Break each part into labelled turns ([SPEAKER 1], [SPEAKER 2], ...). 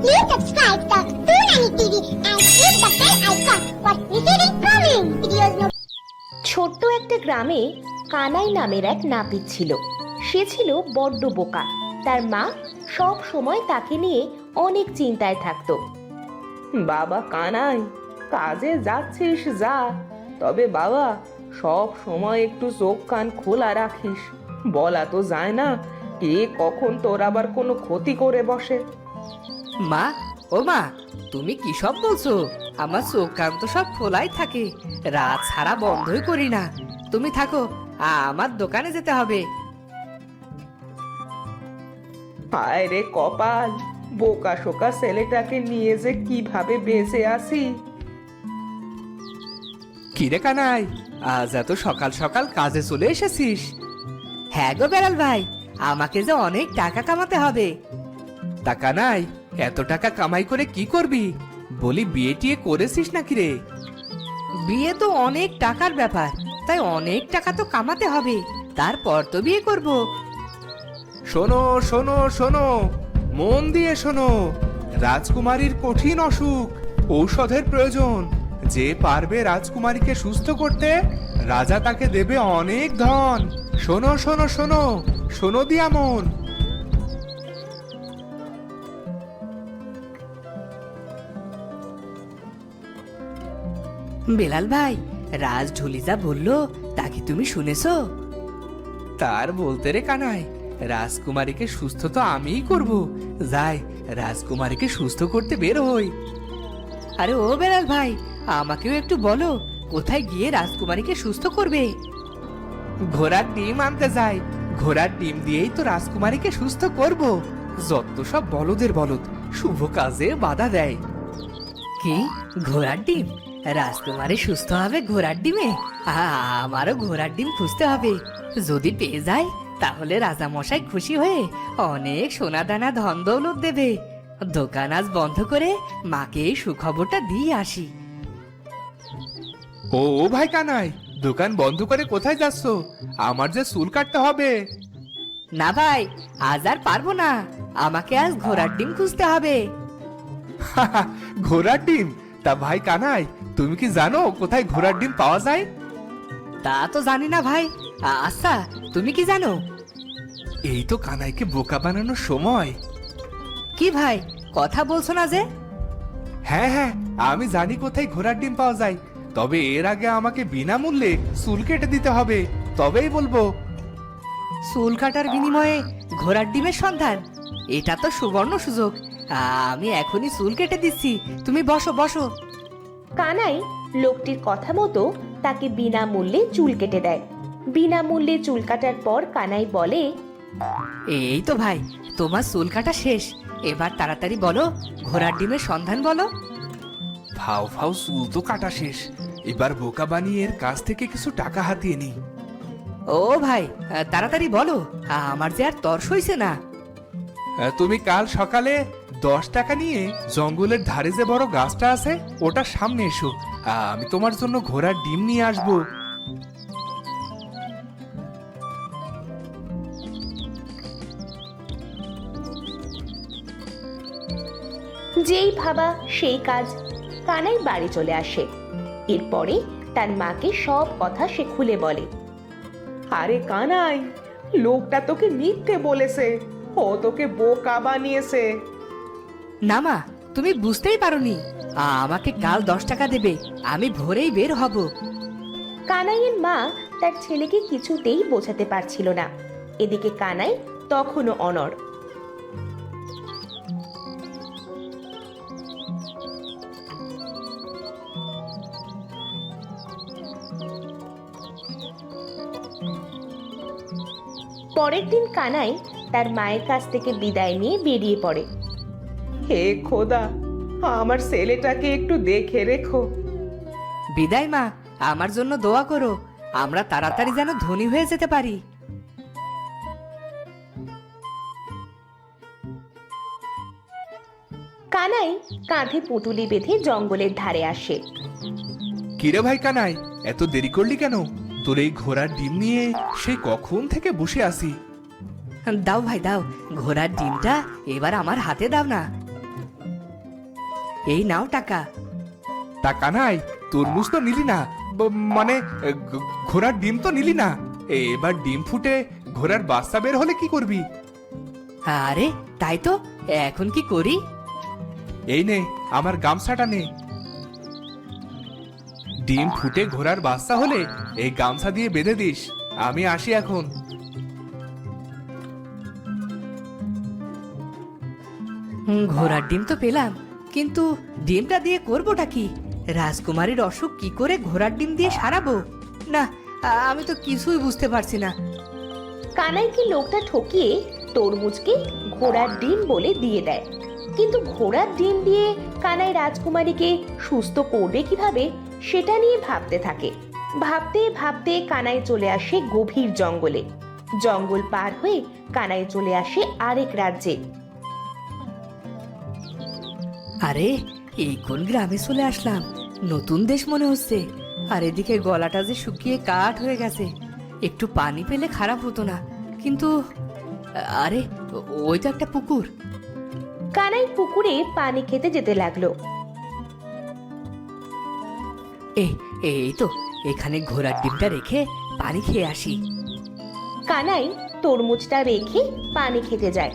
[SPEAKER 1] Please subscribe the Toonami TV and click the bell icon for receiving coming videos.
[SPEAKER 2] ছোট্ট একটা গ্রামে কানাই নামের এক নাপিত ছিল। সে ছিল বড্ড বোকা। তার মা সব সময় তাকে নিয়ে অনেক চিন্তায় থাকতো।
[SPEAKER 3] বাবা কানাই, কাজে যাচ্ছিস যা, তবে বাবা সব সময় একটু চোখ কান খোলা রাখিস। বলা তো যায় না কে কখন তোর আবার কোনো ক্ষতি করে বসে।
[SPEAKER 4] মা, ও মা, তুমি কি সব বলছো? আমার চোখ কান তো সব খোলাই থাকে, রাত ছাড়া বন্ধই করি না। তুমি থাকো, আমার দোকানে যেতে হবে।
[SPEAKER 3] হায় রে কপাল, বোকা শোকা ছেলেটাকে নিয়ে যে কিভাবে বেঁচে আসি।
[SPEAKER 4] কিরে কানাই, আজ এত সকাল সকাল কাজে চলে এসেছিস? হ্যাঁ গো বেড়াল ভাই, আমাকে যে অনেক টাকা কামাতে হবে। তা কানাই, এত টাকা কামাই করে কি করবি? বলি বিয়ে টিয়ে করেছিস নাকি রে? বিয়ে তো অনেক টাকার ব্যাপার, তাই অনেক টাকা তো কামাতে হবে, তারপর তো বিয়ে করব।
[SPEAKER 5] শোনো শোনো শোনো, মন দিয়ে শোনো। রাজকুমারীর কঠিন অসুখ, ঔষধের প্রয়োজন। যে পারবে রাজকুমারীকে সুস্থ করতে, রাজা তাকে দেবে অনেক ধন। শোনো শোনো শোনো, শোনো দিয়া মন।
[SPEAKER 4] বেলাল ভাই, রাজ ঢুলি যা বললো তা কি তুমি শুনেছো? তার বলতে রে কানাই, রাজকুমারীকে সুস্থ তো আমিই করব। যাই, রাজকুমারীকে সুস্থ করতে বের হই। আরে ও বেলাল ভাই, আমাকেও একটু বলো, কোথায় গিয়ে রাজকুমারীকে সুস্থ করবে? ঘোড়ার ডিম আনতে যাই, ঘোড়ার ডিম দিয়েই তো রাজকুমারীকে সুস্থ করব। যত সব বলদের বলদ, শুভ কাজে বাধা দেয়। কি ঘোড়ার ডিম? রাজকুমারী সুস্থ হবে ঘোড়ার ডিমে? আমারও ঘোড়ার ডিম খুঁজতে হবে। যদি পেয়ে যায় তাহলে রাজা মশাই খুশি হয়ে অনেক সোনা দানা ধন দৌলত দেবে। দোকান আজ বন্ধ করে মাকে এই সুখবরটা দিয়ে আসি।
[SPEAKER 5] ও ও ভাই কানাই, দোকান বন্ধ করে কোথায় যাচ্ছ? আমার যে চুল কাটতে হবে।
[SPEAKER 4] না ভাই, আজ আর পারবো না, আমাকে আজ ঘোড়ার ডিম খুঁজতে হবে।
[SPEAKER 5] ঘোড়ার ডিম? তা ভাই কানাই, তুমি কি জানো কোথায় ঘোড়ার ডিম পাওয়া যায়?
[SPEAKER 4] তা তো জানি না ভাই। আচ্ছা, তুমি কি জানো?
[SPEAKER 5] এই তো কানাইকে বোকা বানানোর সময়।
[SPEAKER 4] কি ভাই, কথা বলছো না যে?
[SPEAKER 5] হ্যাঁ হ্যাঁ, আমি জানি কোথায় ঘোড়ার ডিম পাওয়া যায়, তবে এর আগে আমাকে বিনামূল্যে চুল কেটে দিতে হবে, তবেই বলবো।
[SPEAKER 4] চুল কাটার বিনিময়ে ঘোড়ার ডিমের সন্ধান? এটা তো সুবর্ণ সুযোগ। আমি এখনই চুল কেটে দিচ্ছি, তুমি বসো বসো।
[SPEAKER 2] কানাই লোকটির কথা মতো তাকে বিনামূল্যে চুল কেটে দেয়। বিনামূল্যে চুল কাটার পর কানাই বলে,
[SPEAKER 4] এই তো ভাই, তোমার চুল কাটা শেষ। এবার তাড়াতাড়ি বলো, ঘোড়ার ডিমের সন্ধান বলো।
[SPEAKER 5] ফাও ফাও চুল তো কাটা শেষ, এবার বোকা বানিয়ে এর কাছ থেকে কিছু টাকা হাতিয়ে নি।
[SPEAKER 4] ও ভাই, তাড়াতাড়ি বলো, আমার যে আর তর্স হইছে না।
[SPEAKER 5] তুমি কাল সকালে 10 টাকা নিয়ে জঙ্গলের ধারে যে বড় গাছটা আছে ওটার সামনে এসো, আমি তোমার জন্য ঘোড়ার ডিম নিয়ে আসবো।
[SPEAKER 2] যেই ভাবা সেই কাজ। কানাই বাড়ি চলে আসে। এরপরে তার মাকে সব কথা সে খুলে বলে।
[SPEAKER 3] আরে কানাই, লোকটা তোকে মিথ্যে বলেছে, ও তোকে বোকা বানিয়েছে।
[SPEAKER 4] না মা, তুমি বুঝতেই পারোনি। আমাকে কাল 10 টাকা দেবে, আমি ভোরেই বের হব।
[SPEAKER 2] কানাইয়ের মা তার ছেলেকে কিছুতেই বোঝাতে পারছিল না। এদিকে কানাই তখনও অনড়। পরের দিন কানাই তার মায়ের কাছ থেকে বিদায় নিয়ে বেরিয়ে পড়ে।
[SPEAKER 3] হে খোদা, আমার ছেলেটাকে একটু দেখে রেখো।
[SPEAKER 4] বিদায় মা, আমার জন্য দোয়া করো, আমরা তাড়াতাড়ি যেন ধনী হয়ে যেতে পারি।
[SPEAKER 2] কানাই কাঁধে পুঁটুলি বেঁধে জঙ্গলের ধারে আসে।
[SPEAKER 5] কিরে ভাই কানাই, এত দেরি করলি কেন? তোর এই ঘোড়ার ডিম নিয়ে সেই কখন থেকে বসে আছি।
[SPEAKER 4] দাও ভাই দাও, ঘোড়ার ডিমটা এবার আমার হাতে দাও না। এই নাও টাকা।
[SPEAKER 5] তা কানাই, তরমুজ তো নিলি না, মানে ঘোড়ার ডিম তো নিলি না। এবার ডিম ফুটে ঘোড়ার বাচ্চা বের হলে কি করবি?
[SPEAKER 4] আরে তাই তো, এখন কি করি?
[SPEAKER 5] এই নে, আমার গামছাটা নে। ডিম ফুটে ঘোড়ার বাচ্চা হলে এই গামছা দিয়ে বেঁধে দিস। আমি আসি এখন।
[SPEAKER 4] ঘোড়ার ডিম তো পেলাম, কিন্তু ডিমটা দিয়ে করবোটা কি? রাজকুমারীর অসুখ কি করে ঘোড়ার ডিম দিয়ে সারাবো? না, আমি তো কিছুই বুঝতে পারছি না।
[SPEAKER 2] কানাইকে লোকটা ঠকিয়ে তরমুজকে ঘোড়ার ডিম বলে দিয়ে দেয়। কিন্তু ঘোড়ার ডিম দিয়ে কানাই রাজকুমারীকে সুস্থ করবে কিভাবে সেটা নিয়ে ভাবতে থাকে। ভাবতে ভাবতে কানাই চলে আসে গভীর জঙ্গলে। জঙ্গল পার হয়ে কানাই চলে আসে আরেক রাজ্যে।
[SPEAKER 4] আরে এই কোন গ্রামে চলে আসলাম? নতুন দেশ মনে হচ্ছে। আর এদিকে গলাটা যে শুকিয়ে কাঠ হয়ে গেছে, একটু পানি পেলে খারাপ হতো না। কিন্তু আরে ওই তো একটা পুকুর।
[SPEAKER 2] কানাই পুকুরে পানি খেতে যেতে লাগলো।
[SPEAKER 4] এই তো, এখানে ঘোড়ার ডিমটা রেখে পানি খেয়ে আসি।
[SPEAKER 2] কানাই তরমুজটা রেখে পানি খেতে যায়।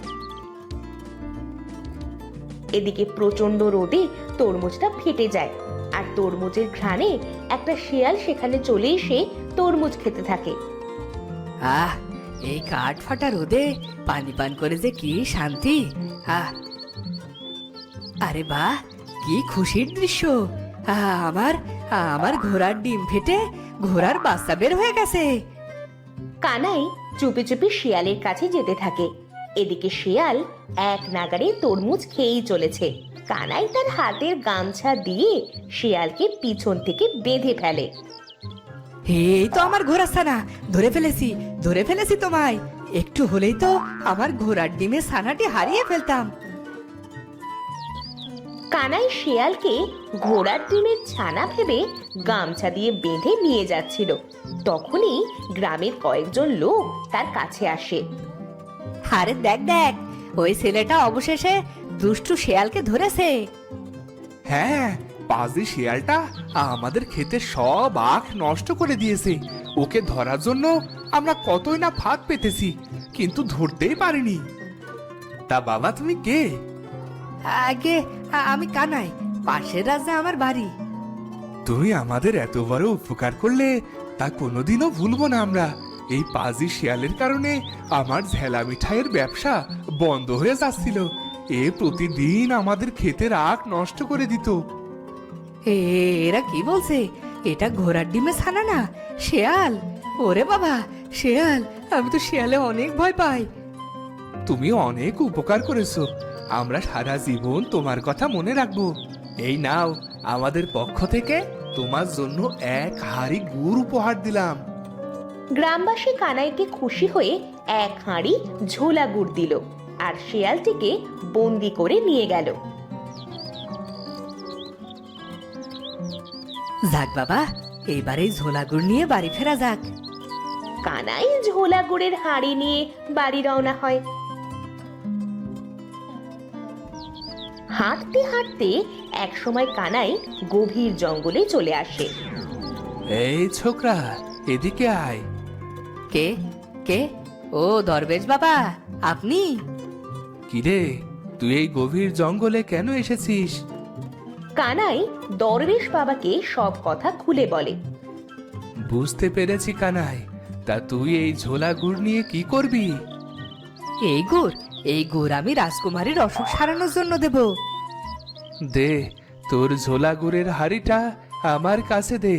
[SPEAKER 2] এদিকে প্রচন্ড রোদে তরমুজটা ফেটে যায়, আর তরমুজের ঘ্রাণে একটা শিয়াল সেখানে চলে এসে তরমুজ খেতে থাকে।
[SPEAKER 4] আহ, এই কাঠ ফাটা রোদে পানি পান করে যে কি শান্তি! আহ, আরে বাহ, কি খুশির দৃশ্য! আমার আমার ঘোড়ার ডিম ফেটে ঘোড়ার বাচ্চা বের হয়ে গেছে।
[SPEAKER 2] কানাই চুপি চুপি শিয়ালের কাছে যেতে থাকে। এদিকে শিয়াল এক নাগাড়ে তরমুজ খেয়েই চলেছে। কানাই তার হাতের গামছা দিয়ে শিয়ালকে পিছন থেকে বেঁধে ফেলে।
[SPEAKER 4] এই তো আমার ঘোড়া ছানা, ধরে ফেলেছি তোমায়। একটু হলেই তো আমার ঘোড়ার ডিমের ছানাটি হারিয়ে ফেলতাম।
[SPEAKER 2] কানাই শিয়ালকে ঘোড়ার ডিমের ছানা ভেবে গামছা দিয়ে বেঁধে নিয়ে যাচ্ছিল। তখনই গ্রামের কয়েকজন লোক তার কাছে আসে।
[SPEAKER 4] আরে দেখ দেখ, ওই ছেলেটা অবশেষে দুষ্টু শিয়ালকে ধরেছে।
[SPEAKER 5] হ্যাঁ, পাজি শিয়ালটা আমাদের ক্ষেতের সব আখ নষ্ট করে দিয়েছে। ওকে ধরার জন্য আমরা কতই না ফাঁদ পেতেছি, কিন্তু ধরতেই পারিনি। তা বাবা, তুমি কে?
[SPEAKER 4] আগে আমি কানাই, পাশের রাজ্যে আমার বাড়ি।
[SPEAKER 5] তুমি আমাদের এত বড় উপকার করলে তা কোনোদিনও ভুলবো না আমরা। এই পাজি শিয়ালের কারণে আমার ঝেলা মিঠাইয়ের ব্যবসা বন্ধ হয়ে যাচ্ছিল। এ প্রতিদিন আমাদের ক্ষেতের আখ নষ্ট করে দিত।
[SPEAKER 4] এরা কি বলছে? এটা ঘোড়ার ডিমে ছানা না, শেয়াল। ওরে বাবা, শেয়াল! আমি তো শেয়ালে অনেক ভয় পাই।
[SPEAKER 5] তুমি অনেক উপকার করেছো, আমরা সারা জীবন তোমার কথা মনে রাখবো। এই নাও, আমাদের পক্ষ থেকে তোমার জন্য এক হাঁড়ি গুড় উপহার দিলাম।
[SPEAKER 2] গ্রামবাসী কানাইকে খুশি হয়ে এক হাঁড়ি ঝোলা গুড় দিল, আর শিয়ালটিকে বন্দি করে নিয়ে গেল।
[SPEAKER 4] যাক বাবা, এইবার এই ঝোলা গুড় নিয়ে বাড়ি ফেরা যাক।
[SPEAKER 2] কানাই ঝোলা গুড়ের হাঁড়ি নিয়ে বাড়ি রওনা হয়। হাঁটতে হাঁটতে একসময় কানাই গভীর জঙ্গলে চলে আসে।
[SPEAKER 5] এই ছোকরা, এদিকে আয়।
[SPEAKER 4] কে কে? ও দরবেশ বাবা, আপনি?
[SPEAKER 5] কিরে, তুই এই গভীর জঙ্গলে কেন এসেছিস?
[SPEAKER 2] কানাই দরবেশ বাবাকে সব কথা খুলে বলে।
[SPEAKER 5] বুঝতে পেরেছি কানাই, তা তুই এই ঝোলা গুড় নিয়ে কি করবি?
[SPEAKER 4] এই গুড় আমি রাজকুমারীর অসুখ সারানোর জন্য দেব।
[SPEAKER 5] দে, তোর ঝোলা গুড়ের হাঁড়িটা আমার কাছে দে।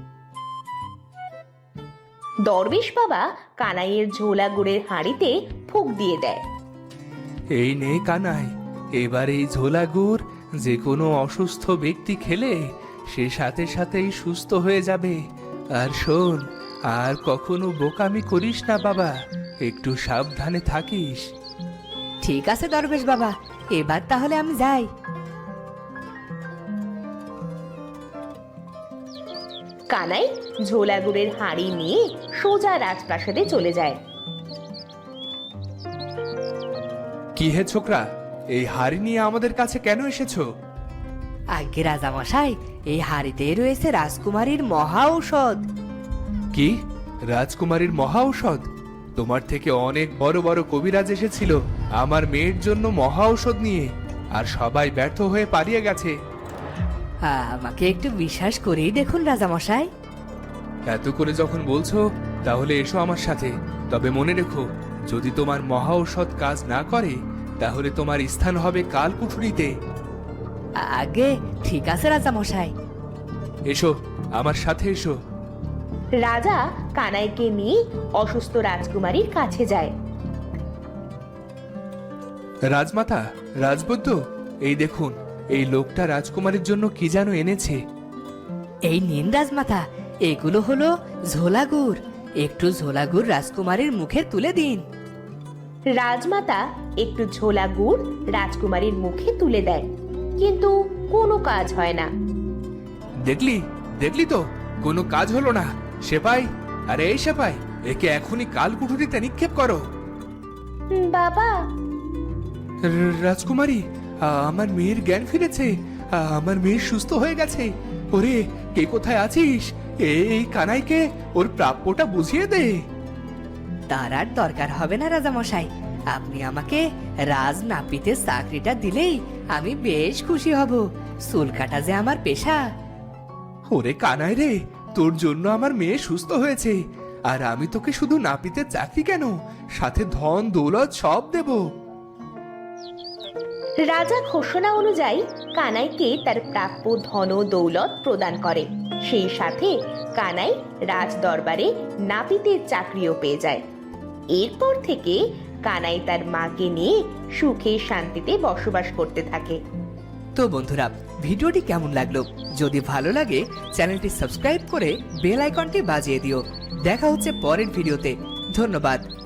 [SPEAKER 2] দরবেশ বাবা কানাইয়ের ঝোলা গুড়ের হাঁড়িতে ফুঁক দিয়ে দেয়।
[SPEAKER 5] এই নে কানাই, এবার এই ঝোলা গুড় যে কোনো অসুস্থ ব্যক্তি খেলে সে সাথে সাথেই সুস্থ হয়ে যাবে। আর শোন, আর কখনো বোকামি করিস না বাবা, একটু সাবধানে থাকিস।
[SPEAKER 4] ঠিক আছে দরবেশ বাবা, এবার তাহলে আমি যাই।
[SPEAKER 2] কানাই ঝোলা গুড়ের হাঁড়ি নিয়ে সোজা রাজপ্রাসাদে চলে যায়।
[SPEAKER 5] কি হে ছোকরা, এই হাড়ি নিয়ে আমাদের কাছে কেন এসেছো?
[SPEAKER 4] আগে রাজামশাই, এই হাড়িতে রয়েছে রাজকুমারীর মহা ঔষধ।
[SPEAKER 5] কি? রাজকুমারীর মহা ঔষধ? তোমার থেকে অনেক বড় বড় কবিরাজ এসেছিল আমার মেয়ের জন্য মহা ঔষধ নিয়ে, আর সবাই ব্যর্থ হয়ে পালিয়ে গেছে।
[SPEAKER 4] আমাকে একটু বিশ্বাস করেই দেখুন রাজামশাই।
[SPEAKER 5] এত করে যখন বলছো তাহলে এসো আমার সাথে। তবে মনে রেখো, যদি তোমার মহা ঔষধ কাজ না করে তাহলে তোমার স্থান হবে কালকুঠুরিতে।
[SPEAKER 4] আগে ঠিক আছে রাজামশাই।
[SPEAKER 5] এসো, আমার সাথে এসো।
[SPEAKER 2] রাজা কানাইকে নিয়ে অসুস্থ রাজকুমারীর কাছে যায়।
[SPEAKER 5] রাজমাতা, রাজবৈদ্য, এই দেখুন, এই লোকটা রাজকুমারীর জন্য কি যেন এনেছে।
[SPEAKER 4] এই নিন রাজমাতা, এগুলো হলো ঝোলাগুড়। একটু ঝোলাগুড় রাজকুমারীর মুখে তুলে দিন।
[SPEAKER 2] রাজমাতা একটু ঝোলা গুড় রাজকুমারীর মুখে তুলে দেয়, কিন্তু কোনো কাজ হয় না।
[SPEAKER 5] দেখলি দেখলি তো, কোনো কাজ হলো না। সেপাই, আরে এই সেপাই, একে এখনই কালকুঠুরিতে নিক্ষেপ করো।
[SPEAKER 2] বাবা,
[SPEAKER 5] রাজকুমারী, আমার মেয়ের জ্ঞান ফিরেছে। আমার মেয়ে সুস্থ হয়ে গেছে। ওরে, কে কোথায় আছিস? এই কানাইকে ওর প্রাপ্যটা বুঝিয়ে দে।
[SPEAKER 4] তার আর দরকার হবে না রাজামশাই, আপনি আমাকে রাজ নাপিতের চাকরিটা দিলেই আমি বেশ খুশি হব। চুল কাটা যে আমার পেশা।
[SPEAKER 5] ওরে কানাই রে, তোর জন্য আমার মেয়ে সুস্থ হয়েছে, আর আমি তোকে শুধু নাপিতের চাকরি কেন, সাথে ধন দৌলত সব দেব।
[SPEAKER 2] রাজা ঘোষণা অনুযায়ী কানাইকে তার প্রাপ্য ধন ও দৌলত প্রদান করে। সেই সাথে কানাই রাজ দরবারে নাপিতের চাকরিও পেয়ে যায়। এরপর থেকে কানাই তার মাকে নিয়ে সুখে শান্তিতে বসবাস করতে থাকে।
[SPEAKER 4] তো বন্ধুরা, ভিডিওটি কেমন লাগলো? যদি ভালো লাগে চ্যানেলটি সাবস্ক্রাইব করে বেল আইকনটি বাজিয়ে দিও। দেখা হচ্ছে পরের ভিডিওতে। ধন্যবাদ।